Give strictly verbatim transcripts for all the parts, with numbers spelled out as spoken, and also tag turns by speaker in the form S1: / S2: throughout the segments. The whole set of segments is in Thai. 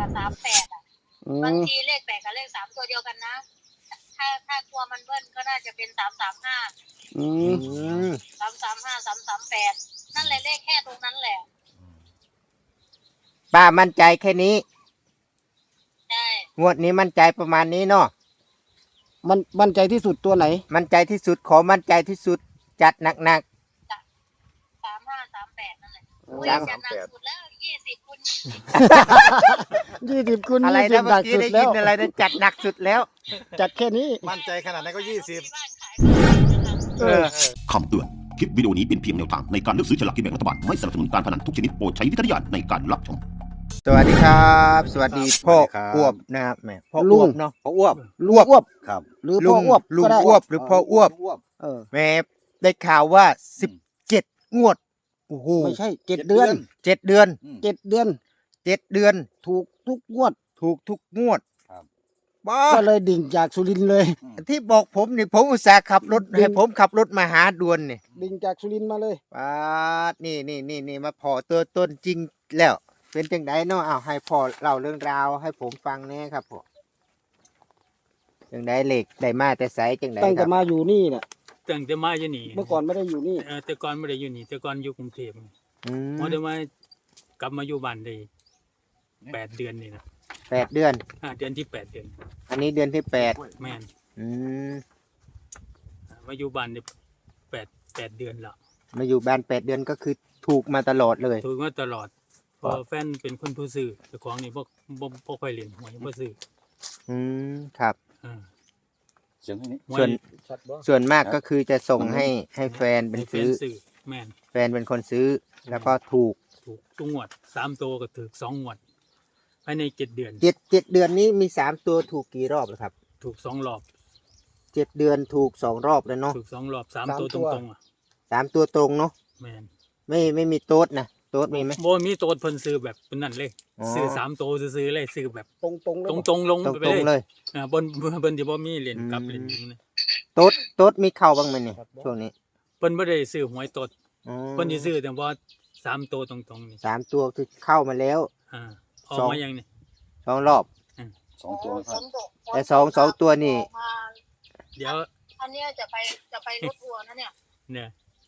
S1: สามแปดอ่ะบางทีเลขแปดกับเลขสามตัวเดียวกันนะถ้าถ้ากลัวมันเบิ้ลก็น่าจะเป็นสามสามห้า
S2: อืม
S1: สามสามห้าสามสามแปดนั่นแหละเลขแค่ตรงนั้นแหละ
S3: ป้ามั่นใจแค่นี้
S1: ใช่
S3: งวดนี้มั่นใจประมาณนี้เนาะ
S2: มันมั่นใจที่สุดตัวไหน
S3: มั่นใจที่สุดขอมั่นใจที่สุดจัดหนัก
S1: สามห้าสามแปดนั่นแหละอุ้ย
S3: สาม
S1: จะหนักสุดแล้วยี่สิบคุณ
S2: ยี่สิบคูณ
S3: ๆอะไร
S2: ยี่สิบ
S3: นะ
S2: หนั
S3: เมื่อก กี้
S2: สุด
S3: ได้
S2: แล้
S3: ยิน
S2: ว
S3: อะไรนะจัดหนักสุดแล้ว
S2: จัดแค่นี้
S4: มั่นใจขนาดนั้นก็ยี่สิบ
S1: บ้านขายก็เลยนะคะ
S3: เออ
S5: คำเตือน คลิปวิดีโอนี้เป็นเพียงแนวทางในการเลือกซื้อฉลากกินแบ่งรัฐบาล ไม่สนับสนุนการพนันทุกชนิดโปรดใช้วิจารณญาณในการรับชม
S3: สวัสดีครับ สวัสดีพ่อ
S4: สวัสดีครับ
S3: อ้วบนะครับแหม่พ่อ
S2: ลุ
S3: อ้ว
S2: ง
S3: บเนาะ
S4: เขาอ้วบ
S2: ลุงอ้วบ
S4: ครับ
S2: หรือ
S3: ลุ
S2: พ่อง อ้วบ
S3: ลุง
S2: ก็ได้
S3: อ้วบหรือพ่ออ้วบ
S2: เออ
S3: แหม่ได้ข่าวว่าสิบเจ็ดงวดโอ้โห
S2: ไม่ใช่เจ็ดเดือน
S3: เจ็ดเดือน
S2: เจ็ดเดือน
S3: เจ็ดเดือน
S2: ถูกทุกงวด
S3: ถูกทุกงวด
S4: ครับ
S3: บ้า
S2: ก็เลยดิ่งจากสุรินทร์เลย
S3: ที่บอกผมนี่ผมอุตส่าห์ขับรถ
S2: ดึง
S3: ให้ผมขับรถมาหาด่วนนี่
S2: ดิ่งจากสุรินทร์มาเลย
S3: ป้าดนี่นี่นี่นี่มาพอตัวต้นจริงแล้ว เป็นจังไดเนาะอ้าวให้พ่อเล่าเรื่องราวให้ผมฟังแน่ครับพ่อจังไดเหล็กได้มาแต่ไสจังได
S2: ตั้ง
S3: ค
S2: แต่
S3: รับ
S2: มาอยู่นี่น่ะ
S6: ตั้งแต่มาอยู่นี่
S2: เมื่อก่อนไม่ได้อยู่นี่
S6: เออแต่ก่อนไม่ได้อยู่นี่แต่ก่อนอยู่กรุงเทพ
S3: อืม
S6: พอได้มากลับมาอยู่บ้านได้แปดเดือนนี่นะ
S3: แปดเดือน
S6: อ่าเดือนที่แปดเดือน
S3: อันนี้เดือนที่แปด
S6: แม่น
S3: อืม
S6: มาอยู่บ้านได้แปดแปดเดือนแล้ว
S3: มาอยู่บ้านแปดเดือนก็คือถูกมาตลอดเลย
S6: ถูกมาตลอดเพอแฟนเป็นคนผู้ซื้อเจ้าของนี่บ่บ่บ่ค่อยเล่นหวยบ่ซื้อ
S3: อืมครับ
S6: อ่า
S4: เสียงนี้
S6: หวย
S3: ส่วน
S2: ชัดบ่
S3: ส่วนมากก็คือจะส่งให้ให้แฟนเป็น
S6: ให้แฟ
S3: ซื้
S6: น
S3: อ
S6: ซื้อแม่น
S3: แฟนเป็นคนซื้อ แล้วก็ถูก
S6: ถูกทุกงวดสามตัวก็ถูกสองงวดภายในเจ็ดเดือน
S3: เจ็ดเจ็ดเดือนนี้มีสามตัวถูกกี่รอบแล้วครับ
S6: ถูกสองรอบ
S3: เจ็ดเดือนถูกสองรอบแล้วเนาะ
S6: ถูกสองรอบสามตัวตรงๆอ่ะ
S3: สามตัวตรงเนาะ
S6: แม่น
S3: ไม่ไม่มีโต๊ดนะโต๊ดมีไหม
S6: บ่มีโตดเพิ่นซื้อแบบเป็นนั่นเลย
S3: อ๋อ
S6: ซื้อสามตัวซื้อๆเลยซื้อแบบ
S2: ตรงตรงๆเลย
S6: ตรง
S2: บ่
S6: ตรงๆลง
S3: ตรง
S6: ไป
S3: ตรง
S6: เล
S3: เลย ย
S6: อ่าบนบนที่บ่มีเหรียญกลับ
S3: อืม
S6: เหรียญหยังนะ
S3: โต๊ดโต๊ดมีเข้าบ้างไหมเนี่ยช่วงนี้
S6: เพิ่นบ่ได้ซื้อหวยตด
S3: อ๋อ
S6: เพิ่นสิซื้อแต่ว่าสามตัวตรงๆนี่
S3: สามตัวคือเข้ามาแล้ว
S6: อ่าออก
S3: สอง
S6: มายังนี่
S3: สองรอบ
S4: สองตัวครับ
S3: แต่สองสองตัวนี่
S1: ออกมา
S6: เดี๋ยว
S1: อันเนี้ยจะไปจะไปรถทัวร์นะเนี่ย
S6: เนี่ย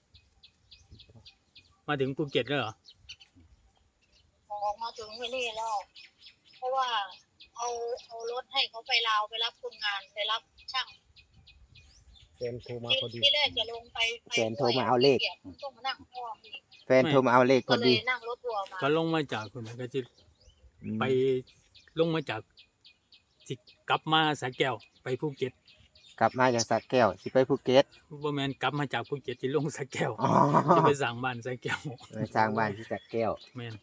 S6: มาถึงภูเก็ตแล้วเหรอ
S1: ออกมาถึงที่นี่แล้ว เพราะว่าเอาเอารถให้เขาไปลาวไปรับคนงานไปรับช่าง
S2: แฟนโทรมา
S1: ที่
S2: พอดี
S1: ที่แรกจะลงไปไป
S3: แฟนโทรมาเอาเลข
S1: ต้องมานั่งพ่อมอีก
S3: แฟนโทรมาเอาเลขพ
S1: ก็
S3: อ
S1: เล
S3: ดี
S1: ยนั่งรถทัวร์มา
S6: ก็ลงมาจากคนก็จะ
S3: อืม
S6: ไปลงมาจากสิกลับมาสระแก้วไปภูเก็ต
S3: กลับมาจากสระแก้วสิไปภูเก็ต
S6: บ่แม่นกลับมาจากภูเก็ตที่ลงสระแก้ว
S3: อ๋อ
S6: จะไปสร้างบ้านสระแก้ว
S3: ไปสร้างบ้านที่สระแก้ว
S6: แม่น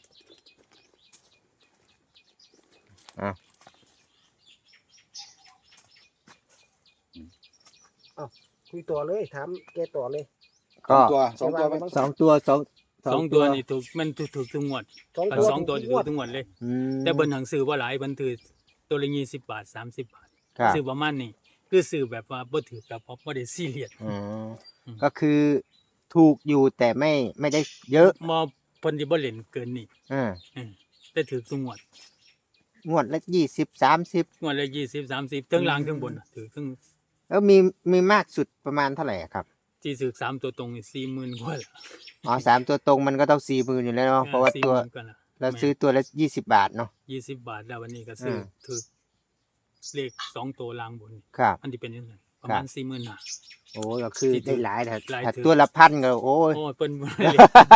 S2: คุยต่อเลยถามแกต่อเลย
S4: สอ
S3: ก็
S4: งตัวสองตัวไหม
S3: สองตัวสอง
S6: สองตัวนี่ถูกมันถูกถูกทุกงวด
S2: สอง
S6: เอ
S2: ตั
S6: อ
S2: ว
S6: สองตัว
S2: ทุ
S6: ถู
S2: ก
S6: ก
S2: งวด
S6: ทุกงวดเลย
S3: อืม
S6: แต่เบิ่นหนังสือว่าหลายเบิ่นถือตัวละยี่สิบบาทสามสิบบาท
S3: ครับ
S6: ซื้อประมาณนี้คือซื้อแบบว่าบ่ถือกับบ่ได้ซีเรียส
S3: อ๋อ
S6: อืม
S3: ก็คือถูกอยู่แต่ไม่ไม่ได้เยอะ
S6: บ่เพิ่นสิบ่เล่นเกินนี่
S3: อ่า
S6: เออแต่ถือทุกงวด
S3: งวดละยี่สิบสามสิบ
S6: งวดละยี่สิบ สามสิบทั้งล่างทั้งบนน่ะถือทั้ง
S3: แล้วมีมีมากสุดประมาณเท่าไหร่อะครับ
S6: ที่ซื้อสามตัวตรงนี่สี่หมื่นกว่าละ
S3: อ๋อสามตัวตรงมันก็ต้องสี่หมื่นอยู่แล้วเนาะเพราะว่าตัว
S6: สี่หมื่นกว่าละ
S3: เราซื้อตัวละยี่สิบบาทเนาะ
S6: ยี่สิบบาทแล้ววันนี้ก็ซื้ออ
S3: ม
S6: ถือเลขสองตัวล่างบน
S3: ครับ
S6: มันสิเป็นจังไดประ
S3: ครั
S6: มา
S3: บ
S6: ณสี่หมื่นห้า
S3: โอ้ก็คือ
S6: ที่ถื
S3: ได้
S6: อ
S3: หลายแต่
S6: หลาย
S3: ถ้า
S6: ถือ
S3: ตัวละพันก็โอ้ย
S6: โอ้ยเพิ่นบ่ได้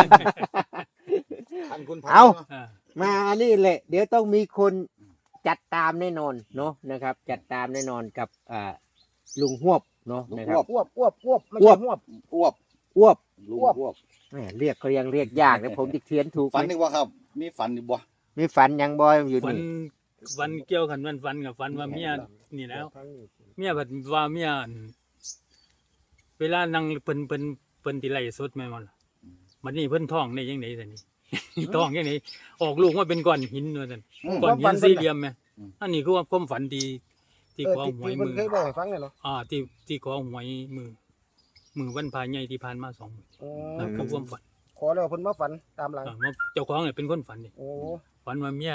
S4: พันคุณพัน
S3: เอา
S6: อ่า
S3: มานี่แหละ เดี๋ยวต้องมีคนจัดตามแน่นอนเนาะนะครับ จัดตามแน่นอนกับอ่าลุงหวบเนาะนะครับ
S2: อ้วบอ้วบอ้วบไม่
S3: อ้ว
S2: ใช่
S3: บ
S2: อ้วบ
S4: อ้วบ
S3: อ้วบ
S4: ลุง
S2: อ้วบ
S4: อ้วบ
S3: แหมเรียกเขายังเรียกยากนะผมจะเขียนถูกไห
S4: ฝัน
S3: ม
S4: ดีกว่าครับ มีฝันดีบ่
S3: มีฝันยังบอยอยู่
S6: ฝัน
S3: นี่
S6: วันเกี่ยวกันวันฝันกับฝันว่าเมียนี่แล้ว เมียบัดว่าเมียอั่นเวลานั่งเพิ่นเพิ่นเพิ่นที่ไล่สดแม่นบ่ล่ะบัดนี้เพิ่นท้องได้จังได๋ซั่นนี่ ท้องจังได๋ออกลูกมาเป็นก้อนหินว่าซั่น
S4: อืม
S6: ก้อนหินสี่เหลี่ยมแม่
S4: อืม
S6: อันนี้คือว่าความฝันที่ที่
S2: เออ
S6: ขอ
S2: ที่
S6: หวย
S2: ที่
S6: มื
S2: เพิ่น
S6: อ
S2: เคยบอกให้ฟังเลยเหรอ
S6: อ่าที่ที่ขอหวยมือมือวันพาใหญ่ที่ผ่านมาสองมื้อ
S2: อ๋อ
S6: นั่นคือความฝัน
S2: ขอแล้วเพิ่นมาฝันตามหลัง
S6: อ่าว่าเจ้าของเนี่ยเป็นคนฝันนี่
S2: โอ้
S6: ฝันว่าเมีย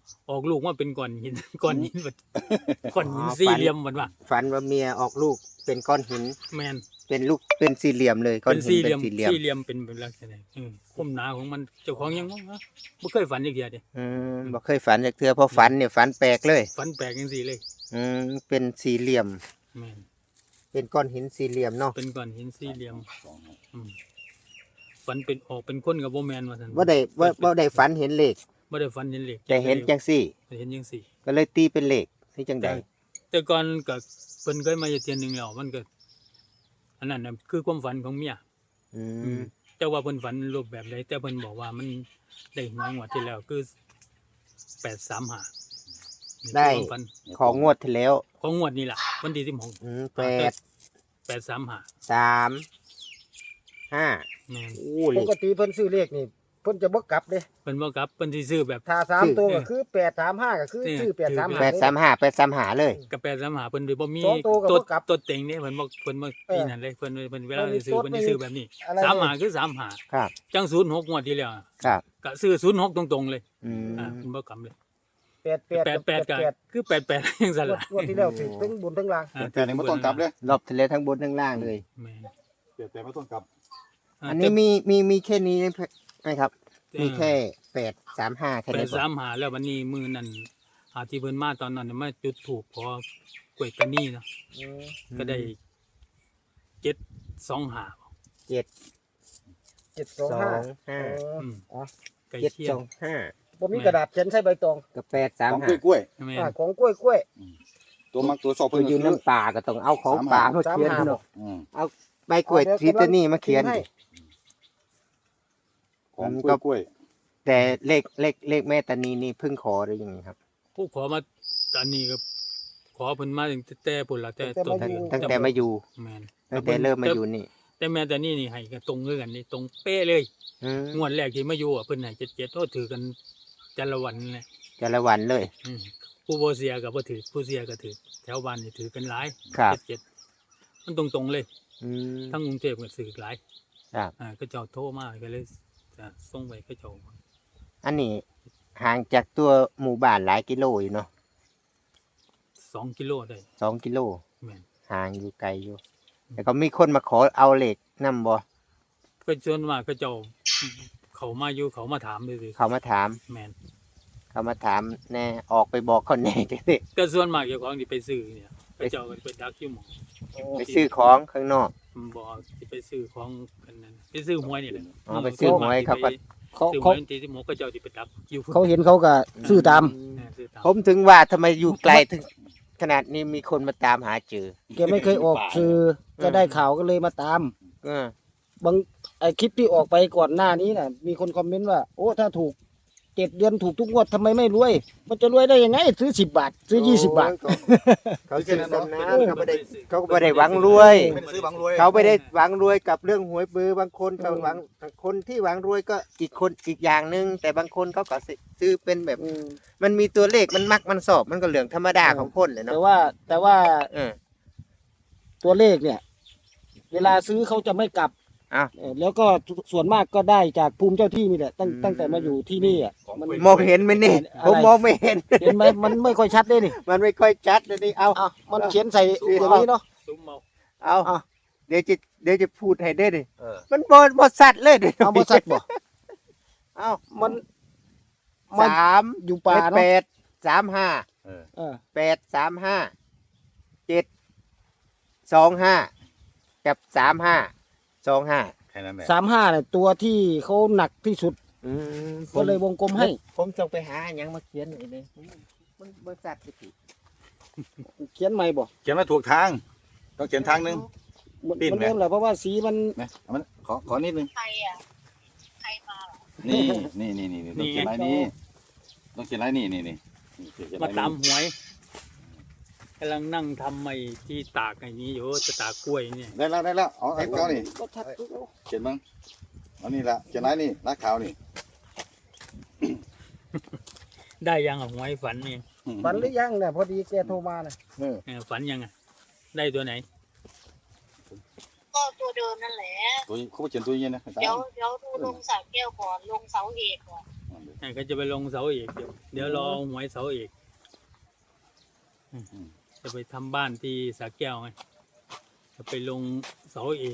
S6: ออกลูกมาเป็นก้อนหิน ก้อนหินแบบก้อนหิน
S3: อ๋อ
S6: สี่
S3: ฝัน
S6: เหลี่ยมเหมือนว่า
S3: ฝันว่าเมียออกลูกเป็นก้อนหิน
S6: แมน
S3: เป็นลูกเป็นสี่เหลี่ยมเลยก้อ
S6: เป็น น
S3: หิน
S6: สี่เห
S3: เป็
S6: ลี่ย
S3: น
S6: ม
S3: สี่เหลี่ยม
S6: สี่เหลี่ยมเป็นเป็นลักษณะอืมความหนาของมันเจ้าของยังงงนะไม่เคยฝันอีกเดียวเดีย
S3: อืมบ่เคยฝันจากเทื่อเพอฝันเนี่ยฝันแปลกเลย
S6: ฝันแปลกจังสี่เลย
S3: อืมเป็นสี่เหลี่ยม
S6: แมน
S3: เป็นก้อนหินสี่เหลี่ยมเนาะ
S6: เป็นก้อนหินสี่เหลี่ยม
S4: สองห้า
S6: อืมฝันเป็นออกเป็นคนกับโบแมนว่าท่น
S3: ว่าได้ว่าว่าได้ฝันเห็นเลข
S6: บ่ได้ฝันเห็นเหล็ก
S3: แต่เห็นจังสี่
S6: เห็นจังสี่
S3: ก็เลยตีเป็นเลขนี่จังใด
S6: แต่ก่อนก็เพิ่นเคยมาอยู่เทียนหนึงแล้วมันก็อันนั้นน่ะคือความฝันของเมีย
S3: อื
S6: อื
S3: ม
S6: มแต่ว่าเพิ่นฝันรูปแบบใดแต่เพิ่นบอกว่ามันได้หวยงวดที่แล้วคือแปดสามห้า
S3: ได้
S6: ฝัน
S3: ของงวดที่แล้ว
S6: ของงวดนี้ล่ะวันที่สิบหก
S3: อืมแปด
S6: แปดสามห้า
S3: สามห้า
S6: แม่น
S3: โอ้เล
S2: ป
S3: ข
S2: กติเพิ่นซื้อเลขนี่เพิ่นจะบ่กลับเด้
S6: เพิ่นบ่กลับเพิ่นสิซื้อแบบ
S2: ถ้าสาม
S3: ซื้อ
S2: ตัวก็คือแปดสามห้าก็คือ
S6: เนี่ย
S2: ซื้อแปดสาม
S6: ถือ
S2: ห้า
S3: แปดสามห้าแปดสามห้าเลย
S6: กับแปดสามห้าเพิ่นสิบ่มี
S2: สองตัวก็
S6: ตัว
S2: บ่กลับ
S6: ตัวเต็งนี่เพิ่นบ่เพิ่นบ่
S2: เออ
S6: นี่นั่นเลยเพิ่นเพิ่นเวลา
S2: เพิ่นมี
S6: ซื้อ
S2: ตัว
S6: เพิ่นสิซื้อแบบนี้
S2: อะไร
S6: สาม
S2: เนี่ย
S6: ห้าคือสามห้า
S3: ครับ
S6: จังศูนย์หกงวดที่แล้ว
S3: ครับ
S6: ก็ซื้อศูนย์หกตรงๆเลย
S3: อืม
S6: อ่าเพิ่นบ่กลับเลย
S2: แปดแปด
S6: แปด
S2: กับ
S6: แปดก็
S2: แปด
S6: คือแปดแปดจังซั่น
S2: งวด
S6: ล่ะ
S2: งวดที่แล้วถือทั้งบนทั้งล่าง
S6: อ่า
S4: แต่นี่ไม่ต้องกลับเลย
S3: รอบที่แล้วทั้งบนทั้งล่างเลย
S6: แม่น
S4: เปลี่ยนแต่ไม่ต้องกลับ
S6: า
S3: อันนี้มีมีมีแค่นี้ไหมครับ
S6: แต่
S3: มีแค่แปดสามห้าแค่
S6: แป
S3: นี้
S6: ด
S3: ก่อ
S6: สาน มห้าแล้ววันนี้มื้อนั้นอาที่เพิ่นมาตอนนั้นน่ะมาจุดธูปขอกล้วยตานีเนาะก็ได้เจ็ดสองห้า
S3: เจ็ด
S2: เจ็ดส
S3: ส
S2: อ
S3: อง ง
S2: ห้า
S3: ห้า
S6: อืม
S2: อ๋อ
S6: ใกล้
S3: เจ็ด
S6: เคีย
S3: ส
S6: ง
S3: องห้า
S2: บ่มีกระดาษเขียนใส่ใบตอง
S3: กับแปดสาม
S4: ของ
S3: ห้าก
S4: ล้วย
S6: แม่น
S2: อ่าของกล้วยกล้วย
S4: ๆตัวมักตัวชอบ
S3: ตั
S4: เพิ่
S3: วน อยู่
S4: คือ
S3: น้ำป่าก็ต้องเอาของป่ามาเขียน
S2: สามห้า
S3: เนาะ
S4: อืม
S3: ใบกล้วยทิตนี่มาเขียน
S2: ให้
S3: ดิ
S4: ของ
S3: มัน
S4: ก
S3: ก็
S4: ล้วยกล้วย
S3: แต่เลขเลขเลขแม่ตานีนี่เพิ่งขอได้ยังไงครับ
S6: ผู้ขอมาตอนนี้ก็ขอเพิ่นมาตั้งแต่ปุ่นละแต่ต้น
S3: ตั้ง
S6: เดือน
S3: ตั้งแต่มาอยู่
S6: แม่น
S3: ตั้งแต่เริ่มมาอยู่นี่
S6: แต่แม่แต่นี่นี่ให้ก็ตรงคือกันนี่ตรงเป๊ะเลย
S3: อืม
S6: งวดแรกที่มาอยู่อ่ะเพิ่นให้เจ็ดเจ็ดโอ้ถือกันจันละวันนี่แหละ
S3: แต่ละวันเลย
S6: อืมผู้บ่เสียก็บ่ถือผู้เสียก็ถือแถวบ้านนี่ถือกันหลาย
S3: ครับ
S6: เจ็ดเจ็ดมันตรงๆเลย
S3: อืม
S6: ทั้งกรุงเทพก็ถือหลาย
S3: ครับ
S6: อ่าก็เจ้าโทรมาก็เลยจะส่งไปก็เจ้า
S3: อันนี้ห่างจากตัวหมู่บ้านหลายกิโลอยู่เนาะ
S6: สองกิโลได้
S3: สองกิโล
S6: แม่น
S3: ห่างอยู่ไกลอยู่ แต่ก็มีคนมาขอเอาเหล็กนํบ่
S6: ก็จนมากก็เจ้าเขามาอยู่เขามาถามซื่อ
S3: เขามาถาม
S6: ๆแม่น
S3: เขามาถามแน่ออกไปบอกเขาแน่จังซี่
S6: ก็ส่วนมากเจ้าของที่ไปซื้อเนี่ยก็เจ้าก็ไปดักอยู่หม้อง
S3: ไปซื้อของข้างนอก
S6: บ่สิไปซื้อของกันนั่นไปซื้อหวยนี่แหละ
S3: อ๋อไปซื้อหวยเขาก็
S2: เขา
S6: ซื้อห
S2: เขา
S6: วยวันที่สิบหกก็เจ้าที่ไปดักอยู่
S2: เขาเห็นเขาก็ซื้อตาม
S6: เออซื้อตาม
S3: ผมถึงว่าทำไมอยู่ไกลถึงขนาดนี้มีคนมาตามหาเจอ
S2: แกไม่เคยออกสื่อก็ได้ข่าวก็เลยมาตาม
S3: เออ
S2: บางไอคลิปที่ออกไปก่อนหน้านี้น่ะ มีคนคอมเมนต์ว่า โอ้ถ้าถูกเจ็ดเดือนถูกทุกงวดทำไมไม่รวย มันจะรวยได้ยังไง ซื้อสิบบาท ซื้อยี่สิบบาท
S3: โอ้ยเขาซื้อตำนานเขาไม่ได้
S6: ซื้อ
S3: เขาก็ไม่ได้หวังรวย
S4: ไม่ได้ซื้อบังรวย
S3: เขาไม่ได้หวังรวยกับเรื่องหวยเบอร์บางคนเขาหวังคนที่หวังรวยก็อีกคนอีกอย่างหนึ่งแต่บางคนเขาก็ซื้อเป็นแบบ
S2: อืม
S3: มันมีตัวเลขมันมักมันสอบมันก็เรื่องธรรมดาของคนเลย
S2: แต่
S3: เนาะ
S2: ว่าแต่ว่า
S3: เออ
S2: ตัวเลขเนี่ย เวลาซื้อเขาจะไม่กลับ
S3: อ้าว
S2: เออแล้วก็ส่วนมากก็ได้จากภูมิเจ้าที่นี่แหละตั้ง
S3: อืม
S2: ตั้งแต่มาอยู่ที่นี่อ่ะมัน
S3: มองเห็นไหมนี่
S2: อะไร
S3: ผมมองไม่เห็น
S2: เห็นไหมมันไม่ค่อยชัดเลยนี่
S3: มันไม่ค่อยชัดเลยนี่เอา
S2: อ่ะมันเขียนใส่อย่างนี้เนาะ
S6: ซุ้มเมา
S3: เอา
S2: อ่ะ
S3: เดี๋ยวจะเดี๋ยวจะพูดให้ได้ดิ
S4: เออ
S3: มันบอบอสัตว์เลยดิ
S2: เอาบริษัทบ่
S3: เอา
S2: มันมัน
S3: สาม
S2: อยู่ป่า
S3: แป
S2: เนาะ
S3: ดสามห้า
S4: เออ
S2: เออ
S3: แปดสามห้าเจ็ดสองห้ากับสามห้าสองห้า
S4: แค่นั้นแหละ
S2: สามห้าเนี่ยตัวที่เขาหนักที่สุด
S3: อืม
S2: ก็เลยวงกลมให้
S3: ผมจงไปหาอย่างมาเขียนหน่อยเลยมันบริษัทสิ
S2: เขียนใหม่บ่
S4: เขียนมาถูกทาง ต้องเขียนทางหนึง
S2: มัน
S4: ปิ้น
S2: มัน
S4: ไหม
S2: เริ่มแหละเพราะว่าสีมัน
S4: นะเอามันขอขอนิดนึง
S1: ใครอ่ะใครมาเหรอ
S4: นี่นี่นี่นี่ต้องเขียนลายนี้ต้องเขียนลายนี้นี่นี่นี่เขียนล
S6: มาย
S4: นี้
S6: ตามหวยกำลังนั่งทำไอ้ที่ตากไอ้นี้อยู่จะตากกล้วยเนี่ย
S4: ได้แล้วได้แล้วเอาไอ้เก้านี่
S2: ก็ชัดทุก
S4: เขียนบ้างเอานี่ละเขียนลายนี่ลายขาวนี่
S6: ได้ยังอ่ะหวยฝันนี่
S2: ฝันหรือยังเนี่ยพอดีแกโทรมาน่ะ
S4: เออ
S6: เออฝันยังอ่ะได้ตัวไหน
S1: ก็ตัวเดิมนั่นแหละ
S4: ตัวเขาเขียนตัวเย็นนะอาจารย์
S1: เดี๋ยวเดี๋ยวดูลงสระแก้วก่อนลงเสาเอกก่อน
S4: เดี๋ยว
S6: อ่าก็จะไปลงเสาเอกเดี๋ยวเดี๋ยวรอหวยเสาเอกอืมจะไปทำบ้านที่สระแก้วไงจะไปลงเสาเอก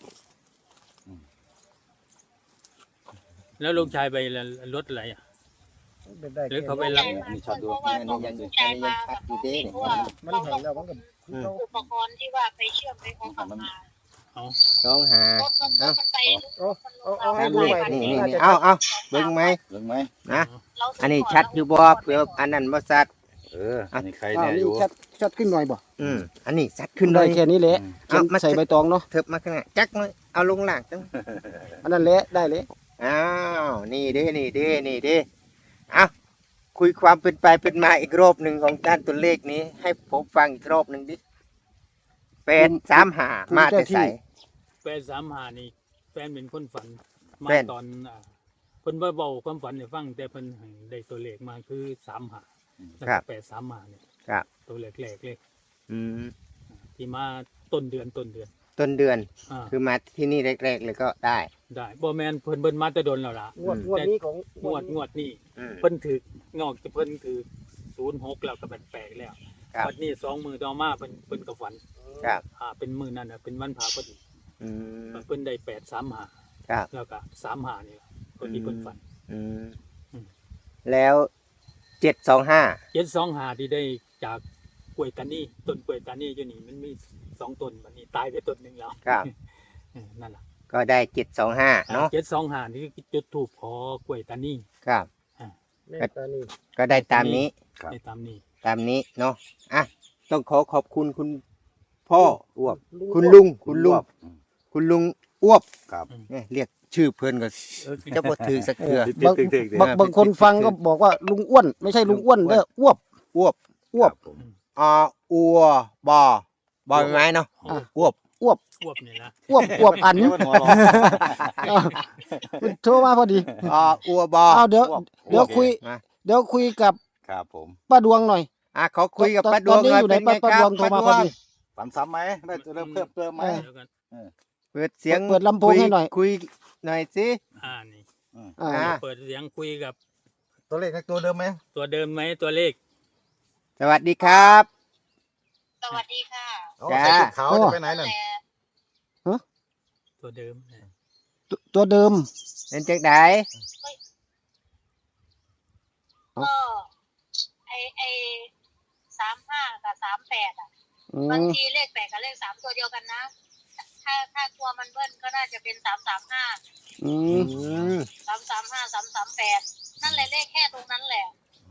S6: แล้วลูกชายไปรถอะไรอ่ะ
S2: เป็นได้
S6: หรือ
S2: แค่
S6: เขาไป
S2: นี้
S6: รับ
S1: มาเพราะว่าต้องลูกชายมากับน้องเองเพราะว่า
S2: มัน
S1: เรา
S2: เห็
S1: ต้อน ง
S2: แล้วมันก็คือเขา
S1: อุปกรณ์ที่ว่าไปเชื่อมไปของกลับมา
S6: เอา
S3: ร้องหาร
S1: ถมันรถมันไป
S2: เอาเอาเอา
S3: ให้
S2: ให้
S3: ดู
S2: ดู
S3: ให
S2: ให
S3: ม่
S2: ม่
S3: นี่
S2: นี่
S3: นี่
S2: นี่
S3: นี่เอาเอาเบิ่งไหม
S4: เรื่องไหม
S3: นะ
S1: เรา
S3: อันนี้ชัดอยู่บ่เพื่ออันนั้นบ่ชัด
S4: เอออันนี้ใคร
S2: อ้า
S4: เนี่
S2: วย
S4: อ
S2: นี่
S4: ยู่
S2: ชัดชัดขึ้นหน่อยบ่
S3: อืมอันนี้ชัดขึ้นเล
S2: ได้
S3: ย
S2: แค่นี้แหละ
S3: เอา
S2: เขียน
S3: มา
S2: ใส่ใบตองเนาะ
S3: เถิบมาข้างหน้าจักหน่อยเอาลงล่างจัง
S2: อันนั้นแหละได้เลย
S3: อ้าวนี่เด้นี่เด้นี่เด้เอาคุยความเป็นไปเป็นมาอีกรอบหนึ่งของด้านตัวเลขนี้ ให้ผมฟังอีกรอบหนึ่งดิแปดสามห้ามาแต่ใส่
S6: แฟนสามหานี่แฟนเป็นคนฝันมา
S3: แฟน
S6: ตอนอ่าเพิ่นบ่เบาความฝันให้ฟังแต่เพิ่นให้ได้ตัวเลขมาคือสามหาแล้วก็แปดสามหาเนี่ย
S3: ครับ
S6: ตัวเลขแรกเลย
S3: อืม
S6: ที่มาต้นเดือนต้นเดือน
S3: ต้นเดือน
S6: อ่า
S3: คือมาที่นี่แรกๆเลยก็ได้
S6: ได้บ่แม่นเพิ่นเบิ่นมาแต่โดนแล้วล่ะ
S2: งวดงวดนี้ของ
S6: งวดงวดนี้
S3: อืม
S6: เพิ่นถืองอกจากเพิ่นถือศูนย์หกแล้วก็แปลกๆแล้ว
S3: ครับ
S6: วันนี้สองมือต่อมาเพิ่นเพิ่นก็ฝัน
S3: ครับ
S6: อ่าเป็นมือนั่นน่ะเป็นวันพระพอดี
S3: อืม
S6: เพิ่นได้แปดสามหา
S3: ครับ
S6: แล้วก็สามหานี่ล่ะตัวที่เพิ่นฝัน
S3: อืม
S6: อืม
S3: แล้วเจ็ดสองห้า
S6: เจ็ดสองหาที่ได้จากกล้วยตานีต้นกล้วยตานีอยู่นี่มันมีสองต้นบัดนี้ตายไปต้นหนึงแล้ว
S3: ครับ
S6: เออนั่นล่ะ
S3: ก็ได้เจ็ดสองห้าเนาะ
S6: เจ็ดสองหานี่คือจุดธูปขอกล้วยตานี
S3: ครับ
S2: แม่ตานี่
S3: ก็ได้ตามนี้
S4: ครับ
S6: ได้ตามนี้
S3: ตามนี้เนาะอ่ะต้องขอขอบคุณคุณพ่ออ้วบ
S2: ลุง
S3: คุณลุงคุณลุง
S4: อืม
S3: คุณลุงอ้วบ
S4: ครับ
S3: เนี่ยเรียกชื่อเพื่อนก็จะบ่ถือสักเถื่อบ
S2: าง
S4: ติ๊กๆๆ
S2: บางบางคนฟังก็บอกว่าลุงอ้วนไม่ใช่ลุงอ้วนเด้ออ้วบ
S3: อ้วบ
S2: อ้วบ
S4: ครับผม
S3: อ่าอัวบอบอใบไม้เนาะ
S6: อ่ะ
S3: อ้วบ
S2: อ้วบ
S6: อ้วบนี่นะ
S2: อ้วบอ้วบอัน
S4: เดี๋ยวมันหัวเราะ
S2: อ้าวคุณโทรมาพอดี
S3: อ่าอัวบอ
S2: อ้าวเดี๋ยว
S3: อ้วบ
S2: เดี๋ยวคุย
S3: มา
S2: เดี๋ยวคุยกับ
S4: ครับผม
S2: ป้าดวงหน่อย
S3: อ่ะขอคุยกับ
S2: ตอน
S3: ป้าดวง
S2: ตอนนี้
S3: หน่อย
S2: อยู่ไหน
S3: เป็นไง
S2: ป้า
S3: ค
S2: ด
S3: รับ
S2: วงโทรมา
S3: ป้าด
S2: พอ
S3: วง
S2: ดี
S4: ฝันซ้ำไหมได้เริ่มเพิ่มเติมไหม
S2: เออ
S6: เดี๋ยวกัน
S3: เปิดเสียง
S2: เปิดลำโพงให้หน่อย
S3: คุยหน่อยสิ
S6: อ่านี่
S2: อ่า
S3: อ่า
S6: เปิดเสียงคุยกับ
S4: ตัวเลขตัวเดิมไหม
S6: ตัวเดิมไหมตัวเลข
S3: สวัสดีครับ
S1: สวัสดีค่ะ
S4: อ๋อ
S3: จ้า
S4: ใส่ชุดขาวจะไปไหนน่ะ
S1: แต่
S6: ตัวเดิม
S2: ตัวตัวเดิม
S3: เป็นจังได
S1: ก็ไอไอสามห้ากับสามแปดอ่ะ
S2: อื
S1: บาง
S2: ม
S1: ทีเลขแปดกับเลขสามตัวเดียวกันนะ ถ้าถ้ากลัวมันเบิ้ลก็น่าจะเป็นสามสามห้า
S2: อื
S3: อื
S2: ม
S3: ม
S1: สามสามห้าสามสามแปดนั่นแหละเลขแค่ตรงนั้นแหละ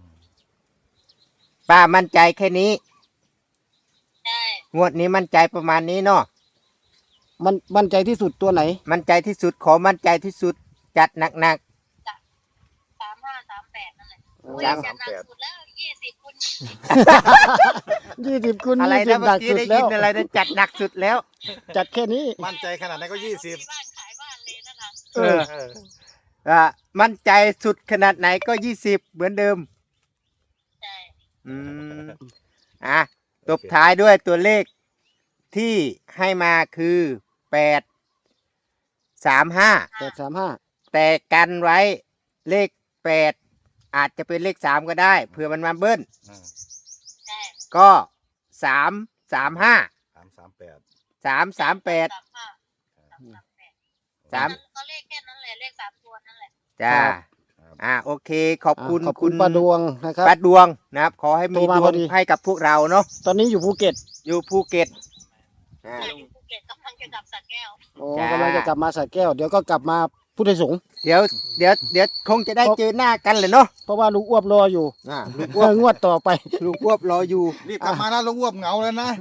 S3: ป้ามั่นใจแค่นี้
S1: ใช่
S3: งวดนี้มั่นใจประมาณนี้เนาะ
S2: มันมั่นใจที่สุดตัวไหน
S3: มั่นใจที่สุดขอมั่นใจที่สุดจัดหนัก
S1: สามห้าสามแปดนั่นแหละอุ้ย
S3: สาม
S1: จะหนักสุดแล้วยี่สิบคุณ
S2: ยี่สิบคูณ
S3: ๆ อะไร
S2: ยี่สิ
S3: นะ
S2: บห
S3: เมื่
S2: นั
S3: อก กี้
S2: สุด
S3: ได้
S2: แล้
S3: ยิน
S2: ว
S3: อะไรนะจัดหนักสุดแล้ว
S2: จัดแค่นี้
S4: มั่นใจขนาดไหนก็ยี่สิบ
S1: มีบ้านขายบ้านเลยนั่นน่ะ
S3: เอออ่ามั่นใจสุดขนาดไหนก็ยี่สิบเหมือนเดิม
S1: ใช่
S3: อืมอ่ะตบท้ายด้วยตัวเลขที่ให้มาคือแปดสามห้า
S2: แปดสามห้า
S3: แต่กันไว้เลขแปดอาจจะเป็นเลขสามก็ได้เผื่อมันมาเบิ้ล
S1: ใช่
S3: ก็สามสามห้า
S4: สามสามแปด
S3: สามสามแปด
S1: สามห้าสามสามแปด
S3: สาม
S1: ก็เลขแค่นั้นแหละเลขสามตัวนั่นแหละ
S3: จ้าอ่าโอเค ขอบคุณ
S2: อ่าขอบคุณป้าดวงนะครับ
S3: ป้าดวงนะครับ ขอให้มี
S2: โทรมา
S3: ดว
S2: พอง ดี
S3: ให้กับพวกเราเนาะ
S2: ตอนนี้อยู่ภูเก็ต
S3: อยู่ภูเก็ตอ่า
S1: ใช่อยู่ภูเก็ตกำลังจะกลับสระแก้ว
S2: โอ้
S3: จ้า
S2: กำลังจะกลับมาสระแก้ว เดี๋ยวก็กลับมาพุทธสงฆ์
S3: เดี๋ยวเดี๋ยวเดี๋ยวคงจะได้เจอหน้ากันเลยเนาะ
S2: เพราะว่าลุงอ้วบรออยู่
S3: อ่าลุง
S2: เมื่องวดต่อไป
S3: ลุงควบรออยู่
S4: รีบกลับมานะลุงอ้วบเหงาแล้วนะ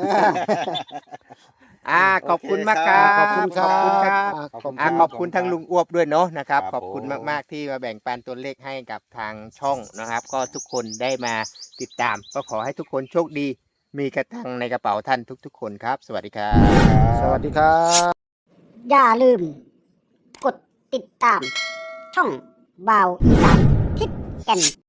S3: อ่าขอบคุณมากครับ
S2: ขอบคุณครั
S3: ขอบคุณครับ
S2: อ่าขอบคุณ
S3: อ่า
S2: ค
S3: ข
S2: รั
S3: อบ บคุณทั้งลุงอ้วบด้วยเนาะนะครับ
S4: ครับ
S3: ขอบคุณ
S4: ผม
S3: มากๆที่มาแบ่งปันตัวเลขให้กับทางช่องนะครับ ก็ทุกคนได้มาติดตาม ก็ขอให้ทุกคนโชคดี มีกระตังในกระเป๋าท่านทุก ๆ คนครับ สวัสดีครับ
S2: สวัสดีครับ
S7: อย่าลืม กดติดตาม ช่องบ่าวอีสานทิศแก่น